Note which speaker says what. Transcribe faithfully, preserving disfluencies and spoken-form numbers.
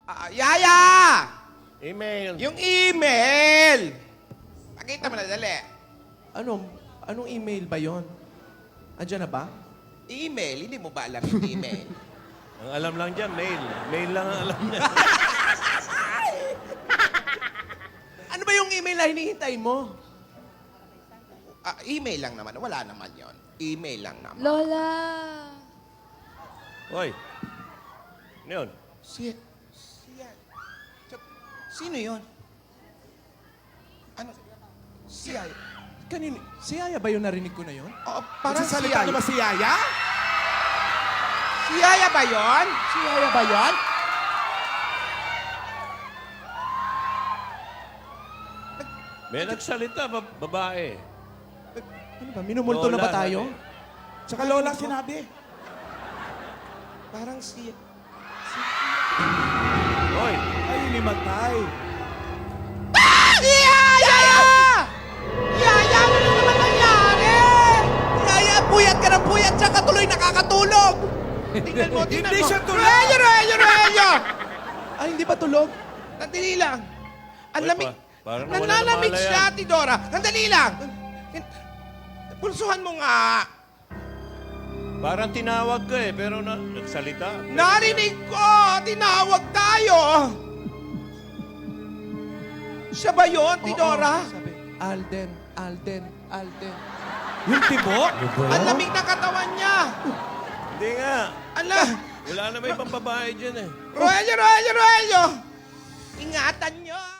Speaker 1: Ah, Yaya!
Speaker 2: Email.
Speaker 1: Yung email! Pakita mo na, dali.
Speaker 3: Anong, anong email ba yon? Andiyan na ba?
Speaker 1: Email? Hindi mo ba alam yung email?
Speaker 2: Ang alam lang dyan, mail. Mail lang ang alam niya.
Speaker 3: Ano ba yung email na hinihintay mo?
Speaker 1: Ah, email lang naman. Wala naman yon. Email lang naman.
Speaker 4: Lola!
Speaker 2: Hoy. Ano yun?
Speaker 1: Si... Si... si- Sino yon? Ano? Si Yaya.
Speaker 3: Kanino? Si Yaya ba yung narinig ko na yon?
Speaker 1: Oo, parang si
Speaker 3: Nagsasalita
Speaker 1: Yaya.
Speaker 3: na ba si Yaya?
Speaker 1: Si Yaya ba yon?
Speaker 3: Si Yaya ba yan?
Speaker 2: May nagsalita, ba- babae.
Speaker 3: Ano ba? Minumulto na ba
Speaker 2: Lola,
Speaker 3: tayo?
Speaker 2: sabi.
Speaker 3: Tsaka Lola sinabi.
Speaker 1: Parang si...
Speaker 2: Hoy.
Speaker 3: Ay, limatay.
Speaker 1: Ah! Yaya! Yaya! Ano na naman nangyari?
Speaker 3: Yaya, puyat ka ng puyat, tsaka tuloy nakakatulog.
Speaker 1: Tingnan mo, tingnan
Speaker 3: Hindi
Speaker 1: mo.
Speaker 3: siya tulog.
Speaker 1: Roelio, Roelio, Roelio!
Speaker 3: Ay, hindi ba tulog?
Speaker 1: Nandali lang. Ang
Speaker 2: Hoy,
Speaker 1: lamig.
Speaker 2: pa- parang nawala
Speaker 1: Nanlalamig
Speaker 2: na
Speaker 1: siya,
Speaker 2: yan.
Speaker 1: Tidora. Nandali lang. Pulsuhan mo nga.
Speaker 2: Parang tinawag ka eh, pero na, nagsalita.
Speaker 1: Narinig ko! Tinawag tayo! Siya ba yun, Tidora?
Speaker 3: Oo, sabi, Alden, Alden, Alden. Yung tibo?
Speaker 1: Ang lamig ng katawan niya.
Speaker 2: Hindi nga.
Speaker 1: Ala!
Speaker 2: Wala na may pang babae dyan eh.
Speaker 1: Roelio, Roelio, Roelio! Ingatan niyo!